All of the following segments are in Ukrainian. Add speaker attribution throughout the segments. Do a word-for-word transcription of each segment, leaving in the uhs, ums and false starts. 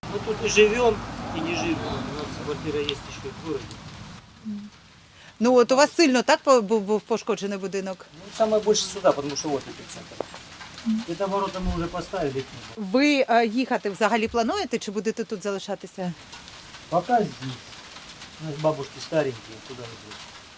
Speaker 1: Мы тут и живем, и не живем. У нас квартира есть еще в городе.
Speaker 2: Ну от у вас сильно так по- був, був пошкоджений будинок?
Speaker 1: Ну, самое больше сюда, потому что вот эпицентр. Это ворота мы уже поставили.
Speaker 2: Ви е, їхати взагалі плануєте чи будете тут залишатися?
Speaker 1: Пока здесь. У нас бабушки старенькие, куда идут.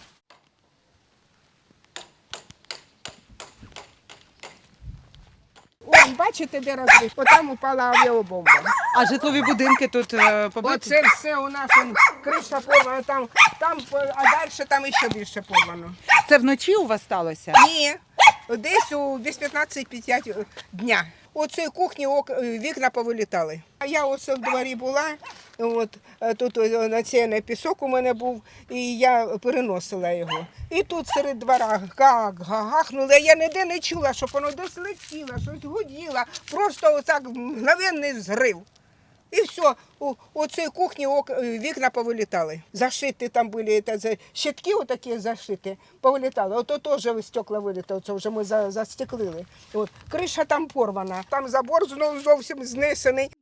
Speaker 3: Ось, бачите, де розбив? Отам упала авіабомба.
Speaker 2: А житлові будинки тут е, побиті?
Speaker 3: Оце все у нас он, криша порвана, там, там, а далі там ще більше порвано.
Speaker 2: Це вночі у вас сталося?
Speaker 3: Ні, десь у десь п'ятнадцять п'ять дня. Оце кухні ок- вікна повилітали. А я оце в дворі була, от, е, тут е, на цей пісок у мене був, і я переносила його. І тут серед двора гак, гахнуло, я ніде не чула, щоб воно десь летіло, щось гуділо, просто отак мгновенний взрив. І все, у, у цій кухні ок, вікна повилітали. Зашиті там були, та, за- щитки отакі зашиті, повилітали. Ото теж стекла вилітали, це вже ми за, застеклили. От. Криша там порвана, там забор знов зовсім знесений.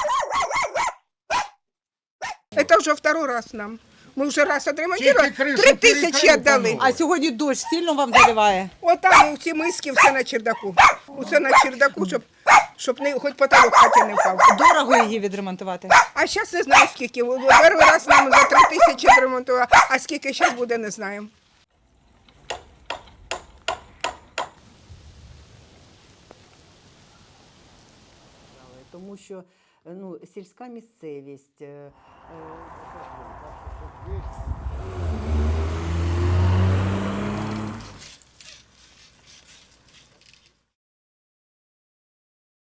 Speaker 3: Це вже второй раз нам. Ми вже раз відремонтували, три тисячі віддали.
Speaker 2: А сьогодні дощ сильно вам заливає?
Speaker 3: Отам у ці миски все на чердаку. Усе на чердаку, щоб, щоб не, хоч потолок хаті не впав.
Speaker 2: Дорого її відремонтувати?
Speaker 3: А зараз не знаю скільки. Перший раз нам за три тисячі відремонтували, а скільки зараз буде, не знаємо.
Speaker 4: Тому що ну, сільська місцевість. е, е,